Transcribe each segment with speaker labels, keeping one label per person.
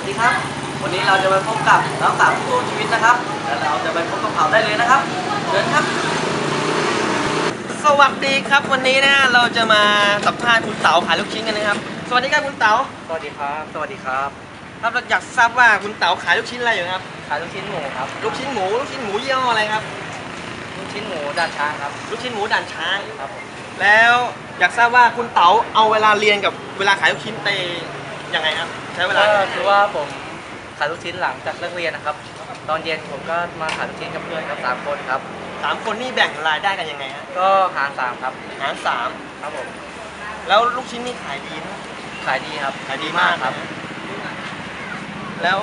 Speaker 1: สดีครับวันนี้เราจะไปพบกับน้องสาวผู้สู้ชีวิตนะครับแล้วเราจะไปพบกับเขาได้เลยนะครับเชิญครับสวัสดีครับวันนี้นะเราจะมาสัมภาษณ์คุณเต๋าขายลูกชิ้นกันนะครับสวัสดีครับคุณเต๋า
Speaker 2: สวัสดีครับ สวัสดีครับ
Speaker 1: ครับเราอยากทราบว่าคุณเต๋าขายลูกชิ้นอะไรอยู่ครับ
Speaker 2: ขายลูกชิ้นหมูครับ
Speaker 1: ลูกชิ้นหมูยี่ห้ออะไรครับ
Speaker 2: ลูกชิ้นหมูด่านช้างครับ
Speaker 1: ลูกชิ้นหมูด่านช้าง
Speaker 2: ครับผม
Speaker 1: แล้วอยากทราบว่าคุณเต๋าเอาเวลาเรียนกับเวลาขายลูกชิ้นไปยังไงครับใช้เวลา
Speaker 2: ก็คือว่าผมขายลูกชิ้นหลังจากเลิกเรียนนะครับ ตอนเย็นผมก็มาขายลูกชิ้นกับเพื่อนครับ3 คนครับ
Speaker 1: 3 คนนี่แบ่งรายได้กันยังไงฮะ
Speaker 2: ก็หาร3ครับ
Speaker 1: หารสาม
Speaker 2: ครับผม
Speaker 1: แล้วลูกชิ้นนี่ขายดีไหม
Speaker 2: ขายดีครับ
Speaker 1: ขายดีมาก
Speaker 2: ครับ
Speaker 1: แล้ว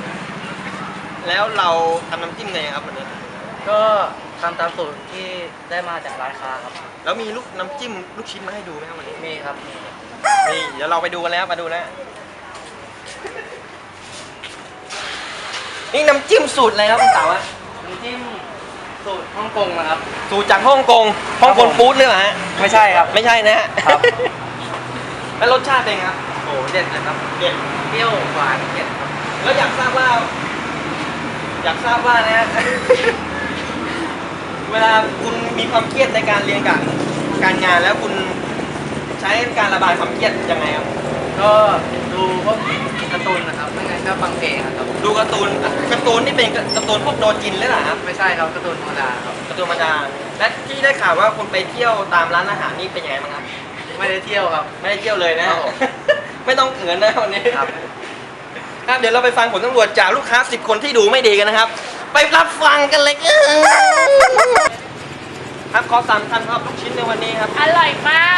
Speaker 1: เราทำน้ำจิ้มไงครับวันนี้
Speaker 2: ก็ทำตามสูตรที่ได้มาจากร้านค้าครับ
Speaker 1: แล้วมีน้ำจิ้มลูกชิ้นมาให้ดูไหมครับวันนี้
Speaker 2: มีครับ
Speaker 1: นี่เดี๋ยวเราไปดูกันแล้วมาดูแล้วนี่น้ำจิ้มสูตรอะไรครับคุณเต๋าอะ
Speaker 2: น้ำจิ้มสูตรฮ่องกงนะครับ
Speaker 1: สูตรจากฮ่องกงฟู้ดเลยเหรอฮะ
Speaker 2: ไม่ใช่ครับ
Speaker 1: ไม่ใช่นะฮะ
Speaker 2: ครับ
Speaker 1: แล้วรสชาติเป็นไงครับ
Speaker 2: โอ้เด็ดเลยครับ
Speaker 1: เด็ด
Speaker 2: เปรี้ยวหวานเผ็ดครับ
Speaker 1: แล้วอยากทราบว่านะ เวลาคุณมีความเครียดในการเรียนกับการงานแล้วคุณใช้การระบายความเครียดยังไงครับ
Speaker 2: ก็ดูพวกการ์ตูนนะครับไม่งั้นก็ฟังเพลงครับ
Speaker 1: ดูการ์ตูนนี่เป็นการ์ตูนพวกโดจินเลยเหรอครับ
Speaker 2: ไม่ใช่ครับการ์ตูนธรรมดาครับ
Speaker 1: การ์ตูนธรรมดาและที่ได้ข่าวว่าคุณไปเที่ยวตามร้านอาหารนี่เป็นยังไงบ้างครับ
Speaker 2: ไม่ได้เที่ยวครับ
Speaker 1: ไม่ได้เที่ยวเลยนะครับ
Speaker 2: ผม
Speaker 1: ไม่ต้องเขินนะวันนี้
Speaker 2: ครับ
Speaker 1: ครับเดี๋ยวเราไปฟังผลตำรวจจากลูกค้า10 คนที่ดูไม่ดีกันนะครับ ไปรับฟังกันเลยครับขอ3 คำครับลูกชิ้นในวันนี้ครับ
Speaker 3: อร่อยมาก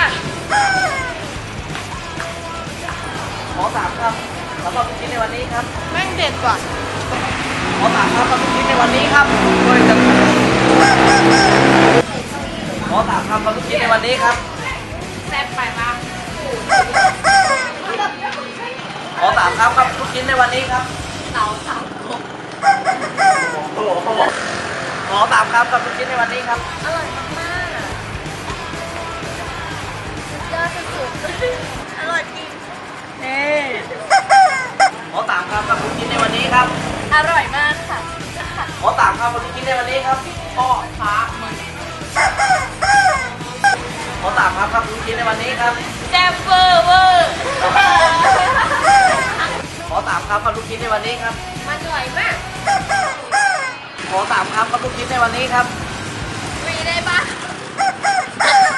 Speaker 1: ขอ3 คำสำหรับลูกชิ้นในวันนี้ครับ
Speaker 3: แม่งเด็ดกว่า
Speaker 1: ขอ3 คำสำหรับลูกชิ้นในวันนี้ครับด้วยกันขอ3 คำสำหรับลูกชิ้นในวันนี้ครับ
Speaker 3: แซ่บไปมาก
Speaker 1: ขอ3 คำครับลูกชิ้นในวันนี้ครับ
Speaker 3: เต๋าสามครบ
Speaker 1: ขอ3 คำกับลูกชิ้นในวันนี้ครับ
Speaker 3: อร่อยมากๆสุดยอดสุดๆอร่อยจริงเฮ้
Speaker 1: ขอ3 คำกับลูกชิ้นในวันนี้ครับ
Speaker 3: อร่อยมากค่ะ
Speaker 1: ขอ3 คำกับลูกชิ้นในวันนี้ครับ
Speaker 3: พ่อฟ้ามึง
Speaker 1: ขอ3 คำครับลูกชิ้นในวันนี้ครับ
Speaker 3: แซ่บเวอร์เวอร์
Speaker 1: ขอ3 คำกับลูกชิ้นในวันนี้ครับ
Speaker 3: มันอร่อยมาก
Speaker 1: ขอ3 คำกับลูกชิ้นในวันนี้ครับ
Speaker 3: ฟรีได้ปะ